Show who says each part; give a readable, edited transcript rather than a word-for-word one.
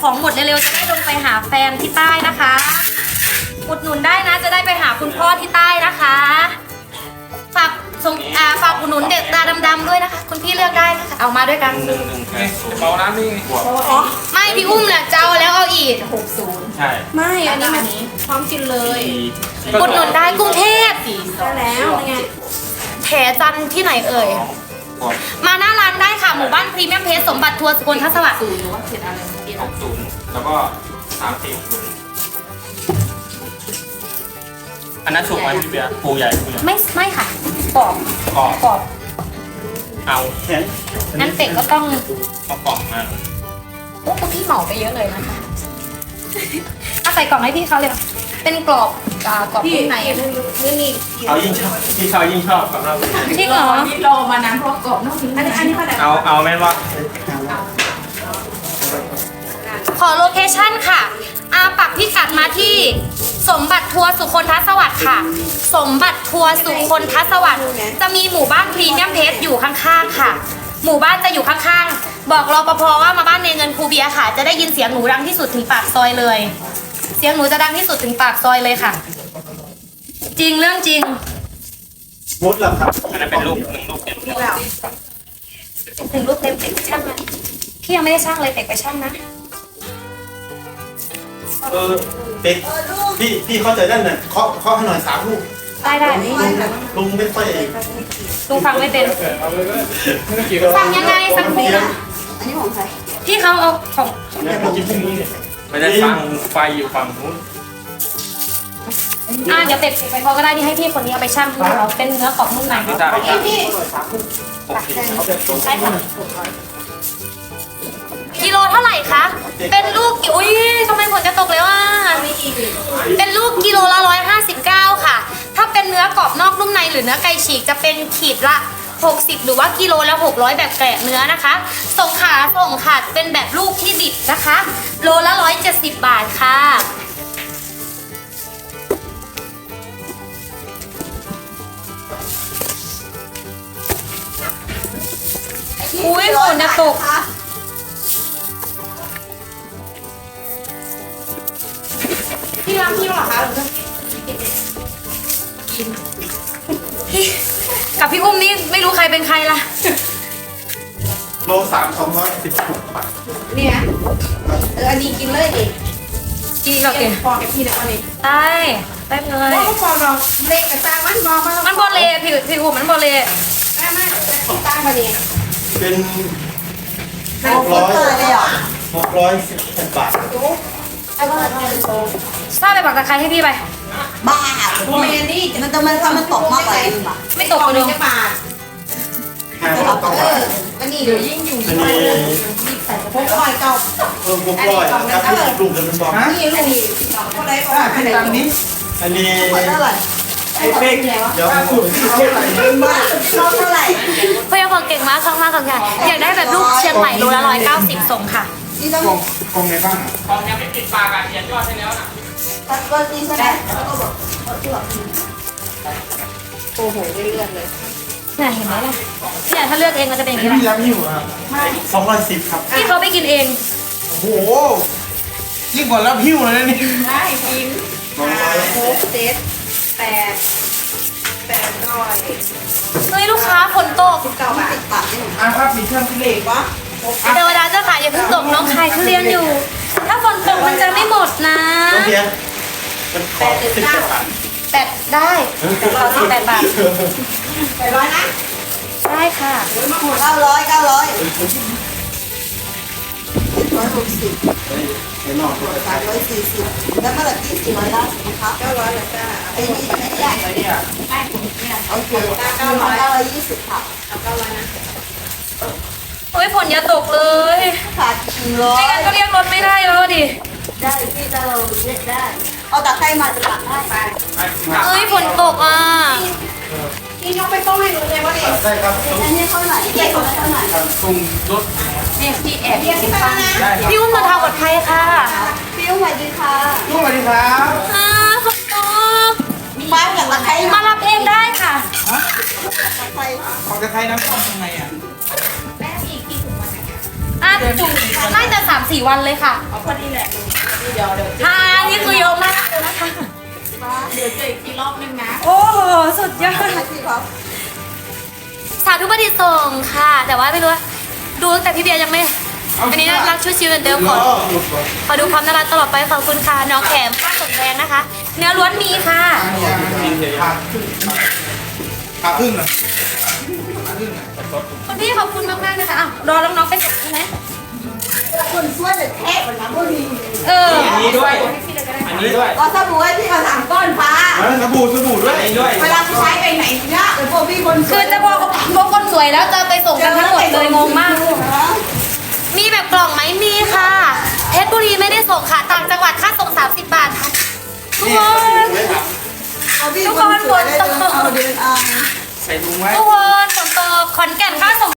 Speaker 1: ของหมดเร็วๆจะได้ลงไปหาแฟนที่ใต้นะคะอุดหนุนได้นะจะได้ไปหาคุณพ่อที่ใต้นะคะฝากฝากอุดหนุนเด็กตาดำๆด้วยนะคะคุณพี่เลือกได้นะคะเอามาด้วยกัน
Speaker 2: หนึ่งเบาน้ำนี่
Speaker 1: ไม่พี่อุ้มแหละจะเอาแล้วเอาอีก
Speaker 2: ใช่
Speaker 3: ไม่อันนี้มันพร้อมกินเลย
Speaker 1: อุดหนุนได้กรุงเทพ
Speaker 3: ได้แล้วไง
Speaker 1: แถจันทร์ที่ไหนเอ่ยมาหน้าร้านได้ค่ะหมู่บ้านพรีเมียมเพชรสมบัติทัวร์สกลทัศวรรค์
Speaker 2: 60แล้วก็30อันนั้นสุกไหมพี่เบียร์ปูใหญ่ปูใหญ่
Speaker 1: ไม่ค่ะกรอบ
Speaker 2: กรอบ
Speaker 1: กรอบ
Speaker 2: เอา
Speaker 1: งั้นเป็ดก็ต้อง
Speaker 2: เอากล่องมา
Speaker 1: โอ้คุณพี่เหมาไปเยอะเลยนะคะเอาใส่กล่องให้พี่เขาเลยค่ะเป็นกรอบกรอบ
Speaker 3: พี่
Speaker 1: ข้างใน
Speaker 3: นี่
Speaker 2: เขายิ่งชอบพี่เขายิ่งชอบกับเรา
Speaker 1: จริงเหรอ
Speaker 3: นี่รอมานานเพราะกรอบนอกนี้อันนี้ขนาด
Speaker 2: เอาแม่นว่า
Speaker 1: ขอโลเคชั่นค่ะปักพิกัดมาที่สมบัติทัวร์สุคนทสวัสดิ์ค่ะ สมบัติทัวร์สุคนทสวัสดิ์จะมีหมู่บ้านพรีเมียมเพชรอยู่ข้างๆค่ะ หมู่บ้านจะอยู่ข้างๆบอกรปภว่ามาบ้านในเงินครูเบียร์ค่ะ จะได้ยินเสียงหนูดังที่สุดถึงปากซอยเลย เสียงหนูจะดังที่สุดถึงปากซอยเลยค่ะ จริงเรื่องจริง
Speaker 4: มดแล้วครับ
Speaker 2: อันนั้นเป็นลูกหนึ่งลูกเดียว
Speaker 1: ถึงรูปเต็มเป็กไปช่างนะพี่ยังไม่ได้ช่างเลยเป็กไปช่างนะ
Speaker 4: เด็กพี่เข้าใจนั่นน่ะเคาะให้หน่อย3 ลูก
Speaker 1: ได้
Speaker 4: ลุงไม่ค่อย
Speaker 1: ลุงฟังไม่เป็นฟังยังไงสักทีนะ
Speaker 3: อันนี้ของใคร
Speaker 1: พี่เขาเอาของ
Speaker 4: เนี่ยผมกินพรุ่งนี้เนี่ย
Speaker 2: ไม่ได้ฟังไฟอยู่ฝั่งนู้น
Speaker 1: เดี๋ยวเป็ดไปเขาก็ได้ที่ให้พี่คนนี้เอาไปช่างให้เราเป็นเนื้อกรอบนุ่มใน
Speaker 2: ไม่ได้ไม่ได้
Speaker 3: พี่
Speaker 2: โอเค
Speaker 1: ใช่ค่ะกิโลเท่าไหร่คะ เป็นลูกอุ้ยทำไมฝนจะตกแล้วอ่ะเป็นลูกกิโลละ159ค่ะ ถ้าเป็นเนื้อกรอบนอกนุ่มในหรือเนื้อไก่ฉีกจะเป็นขีดละ60หรือว่ากิโลละ600แบบแกะเนื้อนะคะส่งค่ะเป็นแบบลูกที่ดิบนะคะ โลละ170 บาทค่ะอุ้ยฝนจะตกพี่รักพี่เหรอคะพี่กับพี่อุ้มนี่ไม่รู้ใครเป็นใครล่ะ
Speaker 4: โล216 บาท
Speaker 3: เนี่ยอันนี้กินเลยดิ
Speaker 1: กินกับเก๋
Speaker 3: พอกับพี่นะวันนี้
Speaker 1: ได้เลย
Speaker 3: พอเราเล็กกับจ้างมันบอกมา
Speaker 1: มันโบเลพี่อุ้มมันโบเล
Speaker 3: ไม่จ้างมาดิ
Speaker 4: เป็น616 บาท
Speaker 1: ทราบไปบอกตะไคร้ให้พี่ไป
Speaker 5: บ้า
Speaker 3: โมเมนนี่
Speaker 5: มันจะมันตกมากกว่านี้ป่ะ
Speaker 1: ไม่ตกกระดง
Speaker 3: จะบาท
Speaker 4: 500
Speaker 3: อันนี้เดี๋ยวยิ่งอยู่
Speaker 4: อันนี้
Speaker 3: พวกคอยเก่า
Speaker 4: เพิ่มพวกร้อยครับลูกเดิมเป็นบอล
Speaker 3: นี่ลูกก็ได้ก็อันนี้
Speaker 4: อันนี้
Speaker 5: เท่าไหร่
Speaker 4: เดี๋ยวผม
Speaker 5: บ้าชอบเท่าไหร่
Speaker 1: เพื่อนคนเก่งมากมากค่ะอยากได้แบบลูกเชียงใหม่โลละ190ส่งค่ะ
Speaker 5: นี่ต้อง
Speaker 4: กองในบ้าน
Speaker 2: ของยังไม่ติดปากอ่ะเขียนยอดให้แล้วนะ
Speaker 5: ตัดก้อนนี้ใช่ไหมแล้วก็บอก
Speaker 3: โอ้โหเรื่อยๆเลย
Speaker 1: เนี่ยเห็นไหมล่ะเนี่ยถ้าเลือกเองมันจะเป็นอย่างนี้แห
Speaker 4: พี่
Speaker 1: ละ
Speaker 4: รับหิวครับ210ครับ
Speaker 1: พี่เขาไปกินเอง
Speaker 4: โอ้โหยิ่งกว่ารับหิวเลยนี่
Speaker 3: ได้กินโค้กเซต800
Speaker 1: เฮ้ยลูกค้าฝนตก
Speaker 3: 19 บาท
Speaker 5: ปากนี่
Speaker 4: ครับมีเครื่องพิเศษ
Speaker 3: วะ
Speaker 1: เทวดาเจ้าค่ะอย่าเพิ่งตกน้องขายทุเรียนอยู่ ถ้าฝนตกมันจะไม่หมดนะ
Speaker 4: ต้องเพียงมันขอ17 บาท
Speaker 1: แต่ได้ขอ18 บาท
Speaker 3: 800นะ
Speaker 1: ได้ค่ะ
Speaker 5: 900
Speaker 4: เดี๋ยวนอก
Speaker 5: 340แล้วเมื่อไหร่ที่400ล้านครับ
Speaker 3: 900แล้วจ้า
Speaker 5: ไอ้นี่ไม่ได้
Speaker 2: ไอ้เนี่ย
Speaker 5: โอเค920ครับ
Speaker 3: เอา900นะ
Speaker 1: โอ้ยฝนอย่าตกเลย
Speaker 5: ขาด
Speaker 1: ไม่งั้นก็เรียกรถไม่ได้แล้วดิ
Speaker 5: ได้พี่ถ้าเราเล่นได้เอาตะไคร้มาจะหลังให้ไป
Speaker 1: เอ้ยฝนตกอ่ะ
Speaker 3: พี่ยกไปต้มให้หนูเลยว่าดิ
Speaker 4: ได้ครับ
Speaker 5: อันนี้เท่าไหร่เท่าไหร่
Speaker 2: ตรงรถ
Speaker 3: เนี่ยพี่แอบเรียกที่ไปแล้วนะ
Speaker 2: ได้ครับ
Speaker 1: พี่อุ้มเดินทางปลอดภัยค่ะ
Speaker 5: พี่สวัสดีค่ะ
Speaker 4: สวัสดีครับ
Speaker 1: ฝนตก
Speaker 5: มาจากตะไคร้
Speaker 1: มารับเองได้ค่ะ
Speaker 5: ตะไคร้
Speaker 4: ของจะใครน้ำส้มยังไงอ่ะ
Speaker 1: เน่าจะ3-4 วันเลยค่ะ
Speaker 3: เอาพอดีแหละเดี๋ยว
Speaker 1: ค่ะนี่คือเยอะมากเลยนะคะ
Speaker 3: เดี๋ยวเจออีกทีรอบนึงนะ
Speaker 1: โอ้โหสุดยอด
Speaker 5: ที่เขา
Speaker 1: สาธุประดิษฐ์ส่งค่ะ แต่ว่าไม่รู้ว่าดูตั้งแต่พี่เบียร์ยังไม่อันนี้รักชุดชิวเดิมขอดูความน่ารักตลอดไปขอบคุณค่ะน้องแขมผ้าสมแดงนะคะ เนื้อล้วนมีค่ะ
Speaker 4: ขาครึ่งนะ
Speaker 1: คุณพี่ขอบคุณมากๆนะคะอ้าวรอน้องๆไปส่งใช่ไหม
Speaker 5: คนช่วยเลยแทะเหมือนน้ำบุรี
Speaker 1: เออ
Speaker 2: อันนี้ด้วย อันนี้ด้วย
Speaker 5: เอาสบู่ให้พี่เอา3 ก้อนฟ้า
Speaker 4: สบู่ด้วย
Speaker 2: อันนี้ด้วย
Speaker 5: เวลาผู้ชายไปไหนเนี่ยหรือพวกพี่คน
Speaker 1: คือจะบอกคนสวยแล้วจะไปส่งกันทั้งหมดเลยงงมาก มีแบบกล่องไหมมีค่ะเพชรบุรีไม่ได้ส่งค่ะต่างจังหวัดค่าส่ง30 บาทค่ะทุกคน
Speaker 5: เอาพี่คนสวยได้เดินเอา
Speaker 2: ใส่ถุงไว้
Speaker 1: ทุกคนฝนตกขอนแก่นค่าส่ง